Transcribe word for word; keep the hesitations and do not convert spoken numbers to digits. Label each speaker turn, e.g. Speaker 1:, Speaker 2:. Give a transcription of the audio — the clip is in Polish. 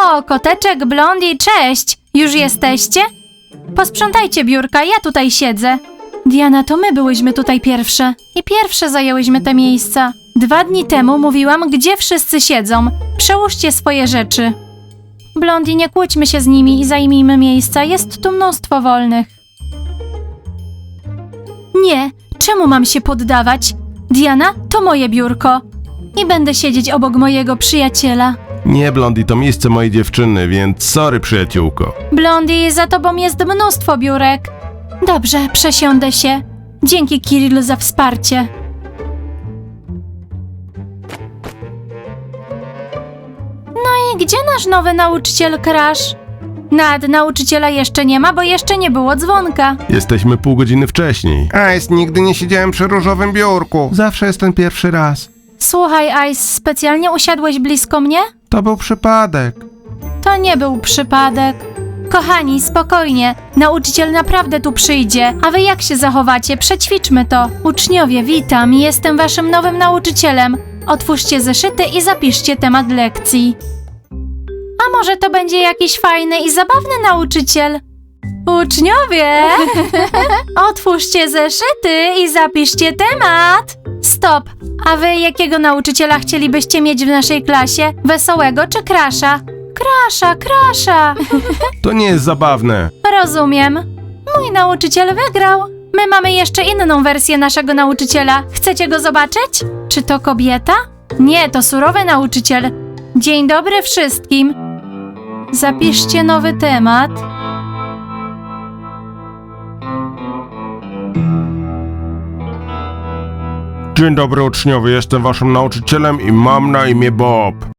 Speaker 1: O, Koteczek, Blondie, cześć! Już jesteście? Posprzątajcie biurka, ja tutaj siedzę. Diana, to my byłyśmy tutaj pierwsze. I pierwsze zajęłyśmy te miejsca. Dwa dni temu mówiłam, gdzie wszyscy siedzą. Przełóżcie swoje rzeczy. Blondie, nie kłóćmy się z nimi i zajmijmy miejsca. Jest tu mnóstwo wolnych. Nie, czemu mam się poddawać? Diana, to moje biurko. I będę siedzieć obok mojego przyjaciela.
Speaker 2: Nie, Blondie, to miejsce mojej dziewczyny, więc sorry, przyjaciółko.
Speaker 1: Blondie, za tobą jest mnóstwo biurek. Dobrze, przesiądę się. Dzięki, Kirill, za wsparcie. No i gdzie nasz nowy nauczyciel Crash? Nad nauczyciela jeszcze nie ma, bo jeszcze nie było dzwonka.
Speaker 2: Jesteśmy pół godziny wcześniej.
Speaker 3: Ice, nigdy nie siedziałem przy różowym biurku.
Speaker 2: Zawsze jest ten pierwszy raz.
Speaker 1: Słuchaj, Ice, specjalnie usiadłeś blisko mnie?
Speaker 3: To był przypadek.
Speaker 1: To nie był przypadek. Kochani, spokojnie. Nauczyciel naprawdę tu przyjdzie. A wy jak się zachowacie? Przećwiczmy to. Uczniowie, witam. Jestem waszym nowym nauczycielem. Otwórzcie zeszyty i zapiszcie temat lekcji. A może to będzie jakiś fajny i zabawny nauczyciel? Uczniowie! Otwórzcie zeszyty i zapiszcie temat. Stop! A wy jakiego nauczyciela chcielibyście mieć w naszej klasie? Wesołego czy Crasha? Crasha, Crasha!
Speaker 2: To nie jest zabawne.
Speaker 1: Rozumiem. Mój nauczyciel wygrał. My mamy jeszcze inną wersję naszego nauczyciela. Chcecie go zobaczyć? Czy to kobieta? Nie, to surowy nauczyciel. Dzień dobry wszystkim. Zapiszcie nowy temat.
Speaker 2: Dzień dobry, uczniowie, jestem waszym nauczycielem i mam na imię Bob.